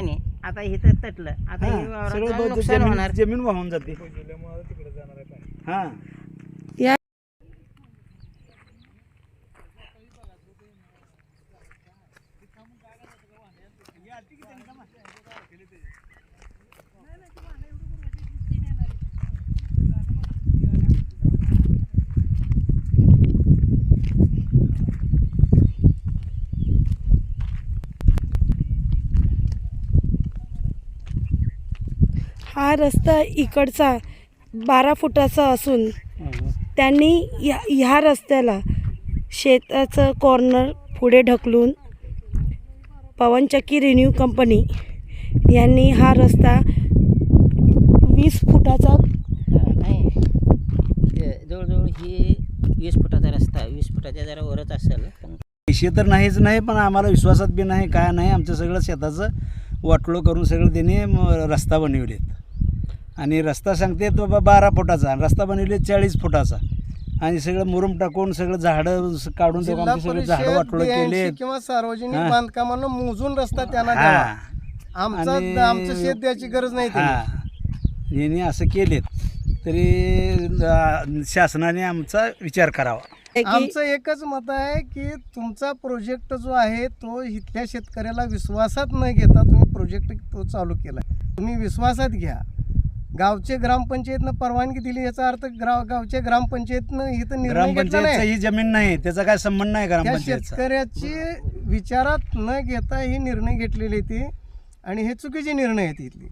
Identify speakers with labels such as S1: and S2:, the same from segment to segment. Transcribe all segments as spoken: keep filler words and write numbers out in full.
S1: नाही. आता इथं तटलं, आता हे वावराचं नुकसान होणार.
S2: जमीन वाहून जाते. हा
S3: या हा रस्ता इकडचा बारा फुटाचा असून त्यांनी या ह्या रस्त्याला शेताचं कॉर्नर पुढे ढकलून पवनचक्की रिन्यू कंपनी यांनी हा रस्ता वीस फुटाचा
S1: हा, नाही हे जवळजवळ ही वीस फुटाचा रस्ता, वीस फुटाच्या जरा वरच असेल. पण
S2: पैसे तर नाहीच नाही, पण आम्हाला विश्वासात बी नाही, काय नाही. आमचं सगळं शेताचं वाटोळं करून सगळं त्याने म- रस्ता बनवलेत. आणि रस्ता सांगते तो बा बारा फुटाचा, रस्ता बनवले चाळीस फुटाचा. आणि सगळं मुरुम टाकून सगळं झाडं स- काढून ते
S4: जिल्हा
S2: सगळे
S4: परिषद,
S2: झाडं वाटोळं
S4: B ऐंशी
S2: केले.
S4: किंवा सार्वजनिक
S2: हा.
S4: बांधकामांना मोजून रस्ता त्यांना द्यावा.
S2: हा
S4: आमचा
S2: आणि-
S4: आमचं शेत द्यायची गरज नाही त्यांनी.
S2: हा यांनी असं केलेत, तरी अं, शासनाने आमचा विचार करावा.
S3: की
S4: आमचं एकच मत आहे की तुमचा प्रोजेक्ट जो आहे तो इथल्या शेतकऱ्याला विश्वासात न घेता तुम्ही प्रोजेक्ट तो चालू केला. तुम्ही विश्वासात घ्या. गावचे ग्रामपंचायतनं परवानगी दिली याचा अर्थ ग्राव गावच्या ग्रामपंचायतनं इथं निर्णय घेतला
S2: ग्रामपंचायतचा
S4: नाही.
S2: ही जमीन नाही, त्याचा काय संबंध नाही
S4: त्या
S2: ग्रामपंचायतचा.
S4: शेतकऱ्याची विचारात न घेता ही निर्णय घेतलेले ते आणि हे चुकीचे निर्णय आहेत इथले.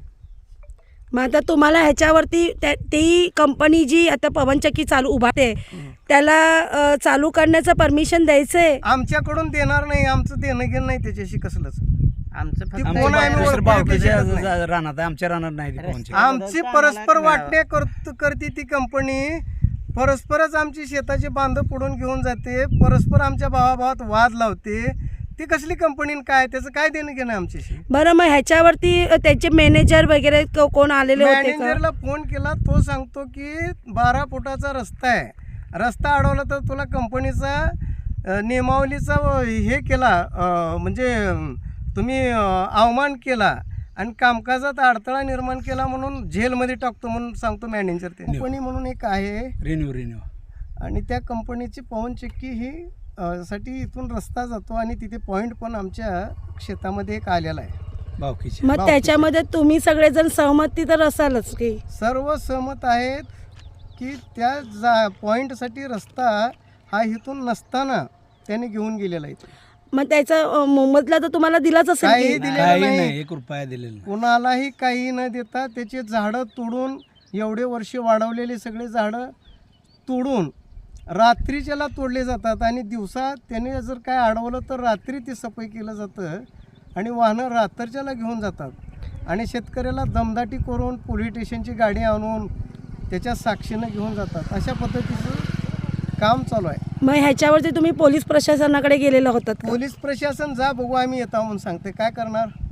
S3: मग आता तुम्हाला ह्याच्यावरती त्या ती कंपनी जी आता पवनचक्की चालू उभारते त्याला अ, चालू करण्याचं परमिशन द्यायचं आहे.
S4: आमच्याकडून देणार नाही, आमचं देणं घेणं नाही त्याच्याशी कसलंच.
S1: आमचं फक्त
S4: आमचं कोण आहे आम्ही
S2: दुसरं
S4: ओळखू
S2: बावकीच्या
S4: शकत नाही.
S2: रानात आहे, आमच्या रानात नाही ती पवनचक्की.
S4: आमची परस्पर वाटणे करत करते ती कंपनी. परस्परच आमची शेताचे बांध पुढून घेऊन जाते, परस्पर आमच्या भावाभावात वाद लावते. ती कसली कंपनी काय, त्याचं काय देणं घेणं आमच्याशी.
S3: बरं, मग ह्याच्यावरती अ, त्याचे मॅनेजर वगैरे को- कोण आलेले होते का?
S4: मॅनेजरला फोन केला, तो सांगतो की बारा फुटाचा रस्ता आहे, रस्ता अडवला तर तुला कंपनीचा अ, नियमावलीचा व हे केला, अ, म्हणजे अम, तुम्ही अ, अवमान केला आणि कामकाजात अडथळा निर्माण केला म्हणून जेलमध्ये टाकतो म्हणून सांगतो मॅनेजर. ते कंपनी म्हणून एक आहे
S2: रिन्यू रिन्यू
S4: आणि त्या कंपनीची पवनचक्की ही अ, साठी इथून रस्ता जातो आणि तिथे पॉईंट पण आमच्या शेतामध्ये एक आलेला आहे.
S2: बावकीची.
S3: मग त्याच्यामध्ये तुम्ही सगळेजण सहमती तर असालच की?
S4: सर्व सहमत आहेत की त्या जा पॉईंटसाठी रस्ता हा इथून नसताना त्याने घेऊन गेलेला आहे.
S3: मग त्याचा अ, मोबदला तर तुम्हाला दिलाच असेल
S4: काही
S3: की?
S4: दिलेलं
S2: काही
S4: नाही.
S2: नाही, एक रुपया दिलेला नाही.
S4: कुणालाही काही न देता त्याचे झाडं तोडून, एवढे वर्ष वाढवलेले सगळे झाडं तोडून रात्रीच्याला तोडले जातात आणि दिवसा त्याने जर काय अडवलं तर रात्री ती सफाई केलं जातं आणि वाहनं रात्रीच्याला घेऊन जातात आणि शेतकऱ्याला दमदाटी करून पोलीस स्टेशनची गाडी आणून त्याच्या साक्षीनं घेऊन जातात. अशा पद्धतीचं काम चालू आहे.
S3: मग ह्याच्यावरती तुम्ही पोलीस प्रशासनाकडे गेलेला होतात का?
S4: पोलीस प्रशासन जा बघू आम्ही येतो म्हणून सांगते, काय करणार.